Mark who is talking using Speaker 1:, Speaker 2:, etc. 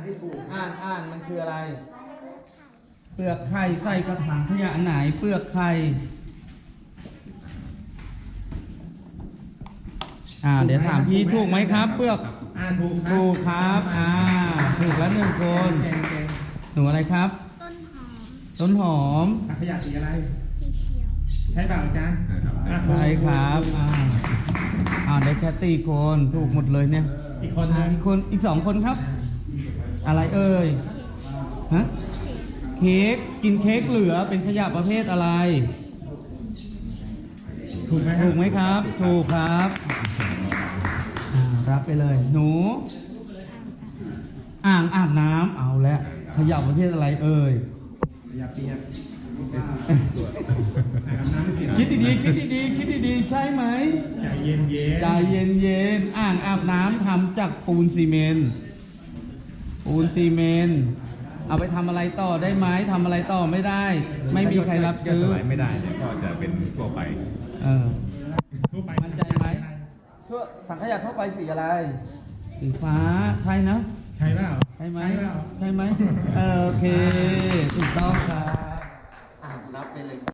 Speaker 1: ที่ถูกอ่านมันคืออะไรเปลือกไข่ใส่กระถางขยะไหนเปลือกไข่เดี๋ยวถามพี่ถูกไหมครับเปลือกถูกครับถูกแล้วหนึ่งคนหนูอะไรครับต้นหอม
Speaker 2: ถังขยะสีอะไร
Speaker 3: สีเขียว
Speaker 2: ใช่เปล่าอาจารย์
Speaker 1: ใช่ครับได้แค่ตีคนถูกหมดเลยเนี่ย
Speaker 2: อีกคน
Speaker 1: อีก2 คนครับอะไรเอ่ยฮะเค้กกินเค้กเหลือเป็นขยะประเภทอะไรถูกไหมครับถูกครับรับไปเลยหนูอ่างอาบน้ำเอาแล้วขยะประเภทอะไรเอ่ย
Speaker 2: ขยะเปียก
Speaker 1: คิดดีๆใช่ไหม
Speaker 2: ใจเย็
Speaker 1: นอ่างอาบน้ำทำจากปูนซีเมนต์เอาไปทำอะไรต่อได้ไหมทำอะไรต่อไม่ได้ไม่มีใครรับซื้อ
Speaker 4: ไม่ได้เนี่ยก็จะเป็นทั่วไป
Speaker 1: มั่นใจไหมทั่วถังขยะทั่วไปสีอะไรสีฟ้าใช่นะ
Speaker 2: ใช่เปล่า
Speaker 1: ใช่ไหมโอเคถูกต้องครับ